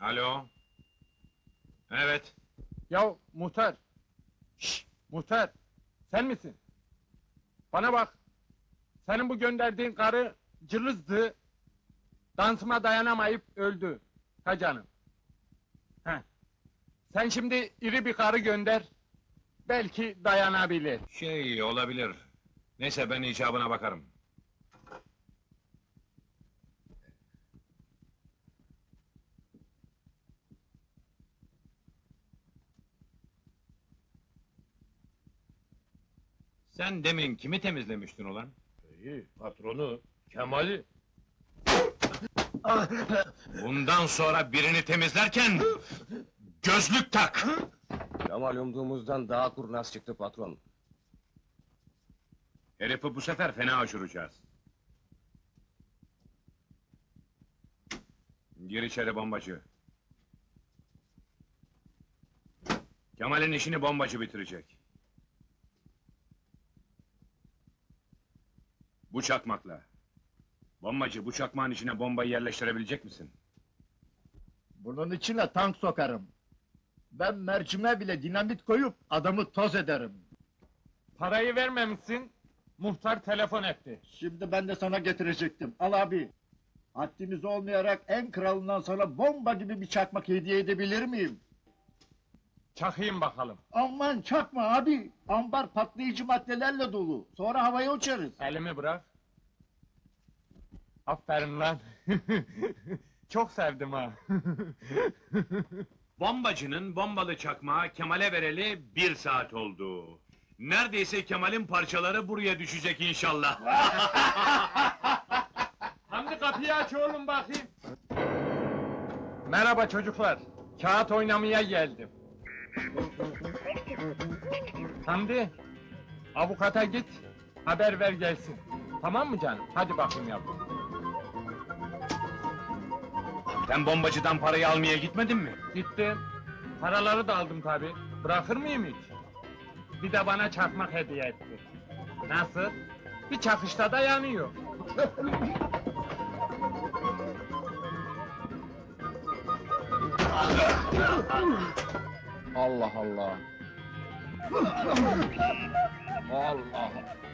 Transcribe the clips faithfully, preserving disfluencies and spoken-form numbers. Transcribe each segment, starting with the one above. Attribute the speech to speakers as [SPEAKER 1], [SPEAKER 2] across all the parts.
[SPEAKER 1] Alo? Evet.
[SPEAKER 2] Ya muhtar! Şşş! Muhtar! Sen misin? Bana bak! Senin bu gönderdiğin karı cılızdı. Dansıma dayanamayıp öldü. Ha canım. Heh. Sen şimdi iri bir karı gönder. Belki dayanabilir.
[SPEAKER 1] Şey olabilir. Neyse ben icabına bakarım. Sen demin kimi temizlemiştin ulan?
[SPEAKER 3] İyi, patronu, Kemal'i.
[SPEAKER 1] Bundan sonra birini temizlerken gözlük tak!
[SPEAKER 3] Kemal umduğumuzdan daha kurnaz çıktı patron.
[SPEAKER 1] Herifi bu sefer fena aşıracağız. Gir içeri bombacı. Kemal'in işini bombacı bitirecek. Bu çakmakla. Bombacı, bu çakmağın içine bombayı yerleştirebilecek misin?
[SPEAKER 4] Bunun içine tank sokarım. Ben mercime bile dinamit koyup adamı toz ederim.
[SPEAKER 2] Parayı vermemişsin. Muhtar telefon etti.
[SPEAKER 4] Şimdi ben de sana getirecektim. Al abi. Haddimiz olmayarak en kralından sana bomba gibi bir çakmak hediye edebilir miyim?
[SPEAKER 2] Çakayım bakalım.
[SPEAKER 4] Aman çakma abi. Ambar patlayıcı maddelerle dolu. Sonra havaya uçarız.
[SPEAKER 2] Elimi bırak. Aferin lan. Çok sevdim ha.
[SPEAKER 1] Bombacının bombalı çakmağı Kemal'e vereli bir saat oldu. Neredeyse Kemal'in parçaları buraya düşecek inşallah.
[SPEAKER 2] Hamdi kapıyı aç oğlum bakayım. Merhaba çocuklar. Kağıt oynamaya geldim. Hamdi, avukata git, haber ver gelsin. Tamam mı canım? Hadi bakayım yavrum.
[SPEAKER 1] Sen bombacıdan parayı almaya gitmedin mi?
[SPEAKER 2] Gittim. Paraları da aldım tabi. Bırakır mıyım hiç? Bir de bana çakmak hediye etti. Nasıl? Bir çakışta da yanıyor. Allah Allah. Allah.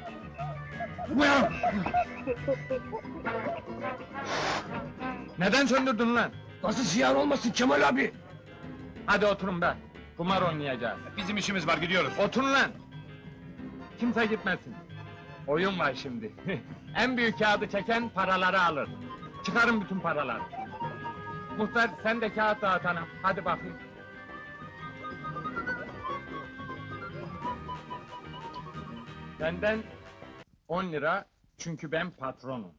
[SPEAKER 2] Neden söndürdün lan?
[SPEAKER 3] Nasıl ziyan olmasın Kemal abi?
[SPEAKER 2] Hadi oturun be. Kumar oynayacağız.
[SPEAKER 1] Bizim işimiz var, gidiyoruz.
[SPEAKER 2] Oturun lan! Kimse gitmesin. Oyun var şimdi. En büyük kağıdı çeken paraları alır. Çıkarın bütün paraları. Muhtar sen de kağıt dağıt hanım. Hadi bakayım. Benden on lira çünkü ben patronum.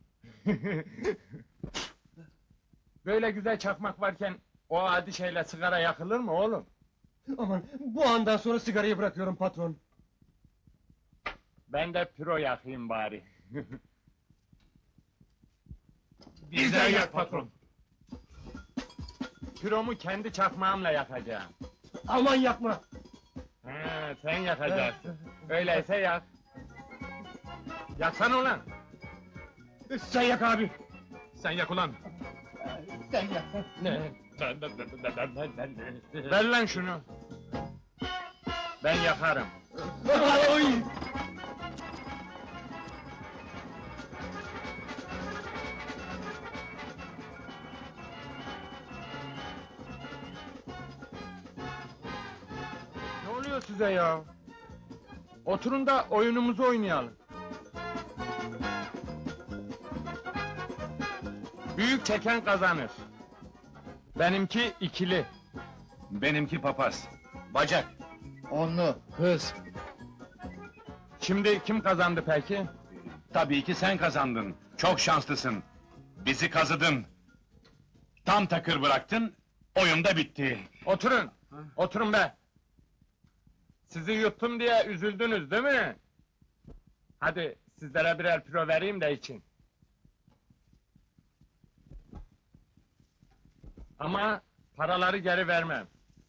[SPEAKER 2] Böyle güzel çakmak varken o adi şeyle sigara yakılır mı oğlum?
[SPEAKER 3] Aman, bu andan sonra sigarayı bırakıyorum patron.
[SPEAKER 2] Ben de piro yakayım bari.
[SPEAKER 1] Bizden yak patron.
[SPEAKER 2] Piromu kendi çakmağımla yakacağım.
[SPEAKER 3] Aman yapma!
[SPEAKER 2] He, sen yakacaksın. Öyleyse yak. Yaksana ulan!
[SPEAKER 3] Sen yak abi!
[SPEAKER 1] Sen yak ulan.
[SPEAKER 4] Sen yap.
[SPEAKER 3] Ne?
[SPEAKER 2] Ver lan şunu! Ben yakarım.
[SPEAKER 3] Oy!
[SPEAKER 2] Ne oluyor size ya? Oturun da oyunumuzu oynayalım. Büyük çeken kazanır. Benimki ikili.
[SPEAKER 1] Benimki papaz. Bacak.
[SPEAKER 4] Onlu.
[SPEAKER 3] Kız!
[SPEAKER 2] Şimdi kim kazandı peki?
[SPEAKER 1] Tabii ki sen kazandın. Çok şanslısın. Bizi kazıdın. Tam takır bıraktın, oyun da bitti.
[SPEAKER 2] Oturun! Oturun be! Sizi yuttum diye üzüldünüz değil mi? Hadi sizlere birer piro vereyim de için. Ama paraları geri vermem.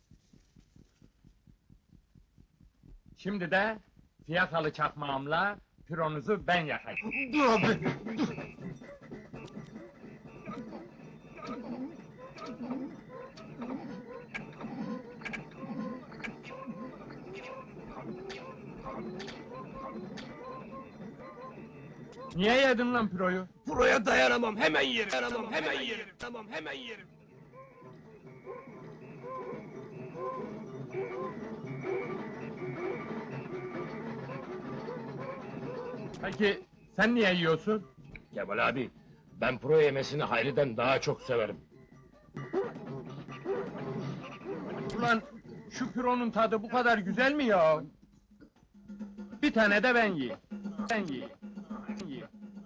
[SPEAKER 2] Şimdi de fiyakalı çakmağımla pironuzu ben yakayım.
[SPEAKER 3] Dur abi! Dur!
[SPEAKER 2] Niye yedin lan piroyu?
[SPEAKER 3] Buraya dayanamam, hemen yerim. Dayanamam, hemen yerim. Tamam, hemen yerim.
[SPEAKER 2] Peki sen niye yiyorsun?
[SPEAKER 3] Kemal abi, ben pro yemesini Hayri'den daha çok severim.
[SPEAKER 2] Ulan şu pironun tadı bu kadar güzel mi ya? Bir tane de ben yiyeyim. Ben yiyeyim. Ben yiyeyim.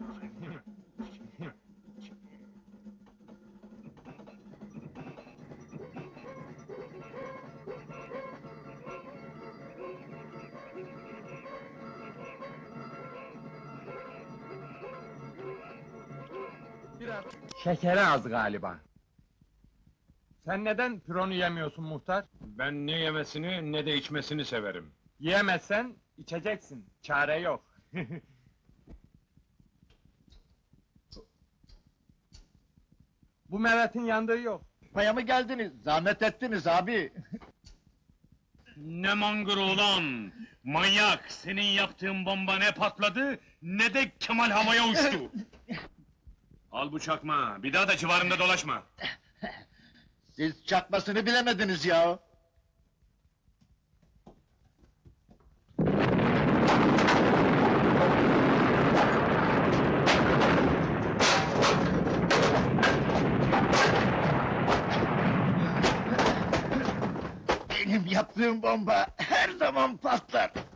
[SPEAKER 2] Biraz şekeri az galiba. Sen neden pironu yemiyorsun muhtar?
[SPEAKER 1] Ben ne yemesini ne de içmesini severim.
[SPEAKER 2] Yiyemezsen içeceksin. Çare yok. Bu Mehmet'in yandığı yok.
[SPEAKER 4] Paya mı geldiniz? Zahmet ettiniz abi.
[SPEAKER 1] Ne mangır ulan! Manyak! Senin yaptığın bomba ne patladı, ne de Kemal havaya uçtu! Al bu çakma, bir daha da civarında dolaşma!
[SPEAKER 4] Siz çakmasını bilemediniz ya. Benim yaptığım bomba her zaman patlar.